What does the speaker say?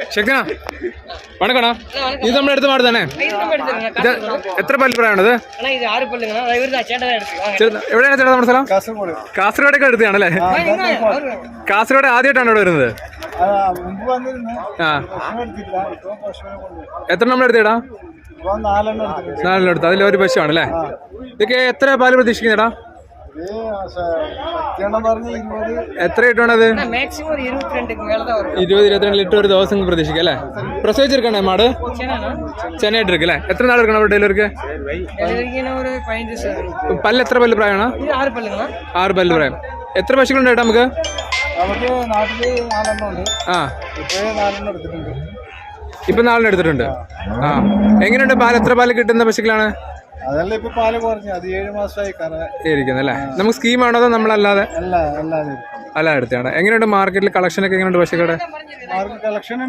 ശക്തനാ വണക്കണോ ഇത് നമ്മുടെ അടുത്ത് മാട് തന്നെ എത്ര പല്ല് പ്രായമാണത് എവിടെയാണ് ചേട്ടാ നമ്മുടെ സ്ഥലം കാസർഗോഡൊക്കെ അടുത്താണല്ലേ കാസർഗോഡ് ആദ്യമായിട്ടാണ് ഇവിടെ വരുന്നത് ആ എത്ര നമ്മൾ എടുത്തേടാ 4 എടുത്ത് അതിലൊരു പശുവാണല്ലേ ഇതൊക്കെ എത്ര പാല് പ്രതീക്ഷിക്കുന്നേടാ എത്ര കിട്ടുവാണത് 20-22 ലിറ്റർ ഒരു ദിവസം പ്രതീക്ഷിക്കാം അല്ലേ പ്രസവിച്ചെടുക്കണേ മാട് ചെന്നൈയിട്ട് എടുക്കല്ലേ എത്ര നാൾ എടുക്കണം ഡെലിവറിക്ക് പല്ല് എത്ര പല്ല് പ്രായമാണ് 6 പല്ല് പ്രായം എത്ര പശുക്കളുണ്ട് ചേട്ടാ നമുക്ക് ആ ഇപ്പൊ 4 എടുത്തിട്ടുണ്ട് ആ എങ്ങനെയുണ്ട് പാല് എത്ര പാല് കിട്ടുന്ന പശുക്കളാണ് അതല്ല ഇപ്പൊ പാല് കുറഞ്ഞു അത് 7 മാസമായി ഇരിക്കുന്നല്ലേ നമുക്ക് സ്കീമാണോ അതോ നമ്മളല്ലാതെ അല്ല എടുത്താണ് എങ്ങനെയുണ്ട് മാർക്കറ്റിൽ കളക്ഷൻ ഒക്കെ എങ്ങനെയുണ്ട് പശുക്കളുടെ കളക്ഷൻ